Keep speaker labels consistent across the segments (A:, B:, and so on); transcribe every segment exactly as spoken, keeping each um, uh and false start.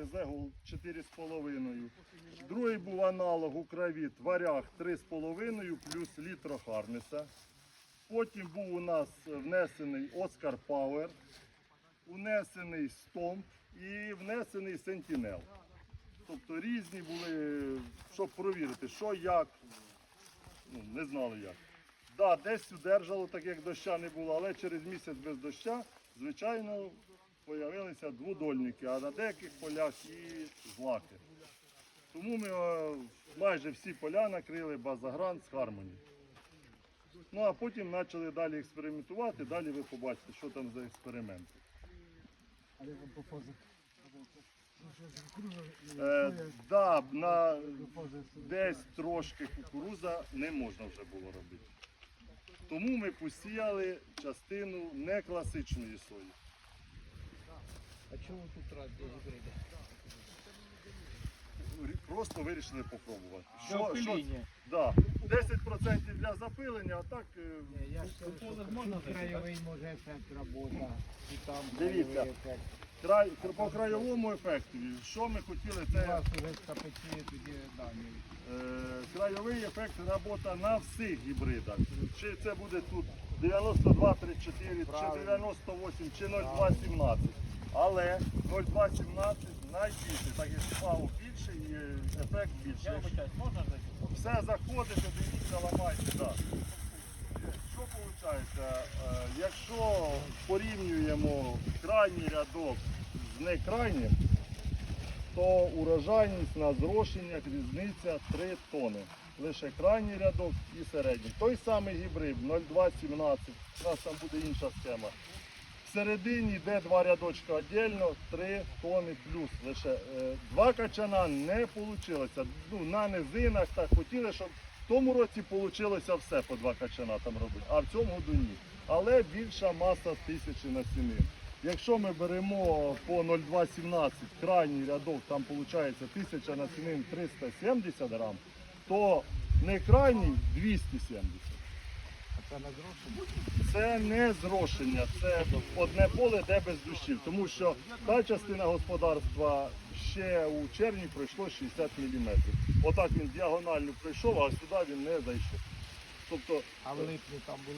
A: Зегул чотири з половиною. Другий був аналог Укровіт Варяг три з половиною плюс літро Харнеса. Потім був у нас внесений Оскар Пауер, внесений Стомп і внесений Сентінел. Тобто різні були, щоб провірити, що, як, ну, не знали як. Так, да, десь удержало, так як доща не було, але через місяць без доща, звичайно, з'явилися дводольники, а на деяких полях і злаки. Тому ми майже всі поля накрили Базагран з Хармоні. Ну а потім почали далі експериментувати, далі ви побачите, що там за експерименти. Е, да, на десь трошки кукурудза не можна вже було робити. Тому ми посіяли частину не класичної сої.
B: А чому тут раз до гібрида?
A: Просто вирішили попробувати.
B: Для опиління.
A: Да, десять відсотків для запилення, а так...
B: Ні, я ж кажу, що тут краєвий може ефект робота, і там
A: Дивіться.
B: краєвий ефект.
A: Край, по краєвому ефекту, що ми хотіли,
B: У
A: це
B: вас вже скапечує тоді дані.
A: е, краєвий ефект робота на всіх гібридах. Чи це буде тут дев'яносто два тридцять чотири, чи дев'яносто вісім, чи нуль два сімнадцять. Але нуль два сімнадцять найбільше, так як фау більше і ефект більше.
B: Я вибачаюсь, можна зайти?
A: Все заходите, дивіться, ламайте. Да. Що виходить? Якщо порівнюємо крайній рядок з некрайнім, то урожайність на зрошеннях різниця три тони. Лише крайній рядок і середній. Той самий гібрид нуль два сімнадцять, у нас там буде інша схема. Всередині йде два рядочка віддільно, три тони плюс. Лише е, два качана не вийшло. Ну, на низинах так хотіли, щоб в тому році вийшло все по два качана там робити, а в цьому году ні. Але більша маса тисячі насінин. Якщо ми беремо по нуль два сімнадцять крайній рядок, там виходить тисяча насінин триста сімдесят грам, то не крайній двісті сімдесят.
B: Це на зрошення?
A: Це не зрошення, це одне поле, де без дощів. Тому що та частина господарства ще у червні пройшло шістдесят міліметрів. Отак він діагонально пройшов, а сюди він не зайшов. Тобто,
B: А в липні там були?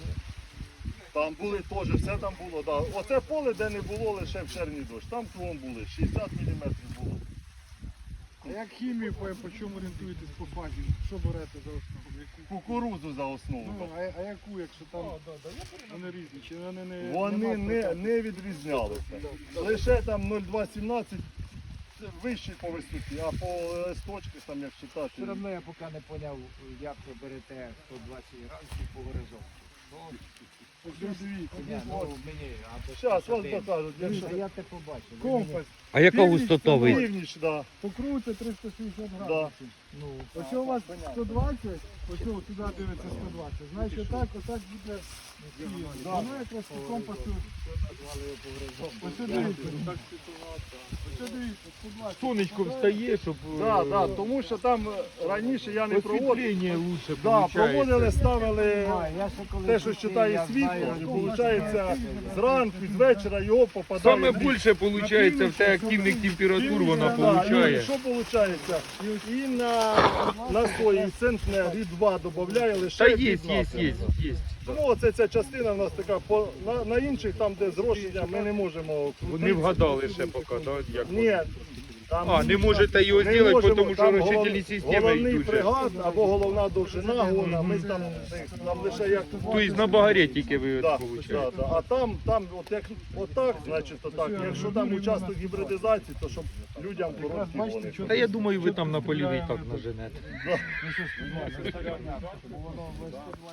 A: там були теж, все там було. Да. Оце поле, де не було лише в червні дощ. Там кругом були, шістдесят міліметрів було.
C: А як хімію, по, по чому орієнтуєтесь по фазі? Що берете за основу? Яку?
A: Кукурудзу за основу.
C: Ну, а, а яку, якщо там вони різні? Чи вони не
A: Вони
C: нема
A: не,
C: проценту?
A: не відрізнялися. Лише там нуль два сімнадцять вище по висоті, а по листочках, там як читати.
B: Все одно я поки не зрозумів, як ви берете сто двадцять грамів по горизонту.
C: Ось дивіться,
B: Ні, ну
A: От.
B: мені, а
A: Зараз
B: то
A: вас покажуть. Якщо...
B: А я те побачив. Ви мені-
C: компас.
D: А яка
C: Північ,
D: густота ви?
A: Північ, да.
C: Покрутиться триста сімдесят
A: Да.
C: градусів.
B: Ну,
C: Ось у вас сто двадцять, ось о, туди дивиться сто двадцять. Значить так, отак буде.
A: Да.
C: Воно якраз по компасу.
B: назвали його по горизонту.
C: Ось дивіться. Ось дивіться, сто двадцять.
D: Сонечком встає, щоб
A: Да, да, тому що там раніше я не проводив.
D: освітлення лучше
A: Да,
D: получається.
A: проводили, ставили
B: А, я ще коли
A: те, що
B: пустив,
A: читає
B: я
A: світло,
B: знаю,
A: і
B: що
A: виходить зранку, з вечора його попадає.
D: Саме
A: в ліс.
D: більше виходить в те активних температур вона
A: Да, і
D: получає.
A: що виходить? І на, на сої центнер і два додає лише
D: Та є, є,
A: п'ятнадцять.
D: є, є.
A: Тому оце ця частина в нас така, по, на, на інших, там де зрошення, ми не можемо крутити.
D: Не вгадали ще поки, так? Як
A: Ні. Там
D: А, не можете його
A: не
D: зробити,
A: можемо,
D: тому що
A: там
D: розчительні
A: голов-
D: системи
A: головний
D: йдуть.
A: пригад або головна довжина гона, ми там, там лише як...
D: Тобто на багарі тільки ви
A: Да,
D: получаєте.
A: да, да. А там, там от як отак, значить отак. Якщо там участок гібридизації, то щоб людям короткі вони.
D: Та я думаю, ви там на полі і так наженете.
B: Ну, що ж, бо воно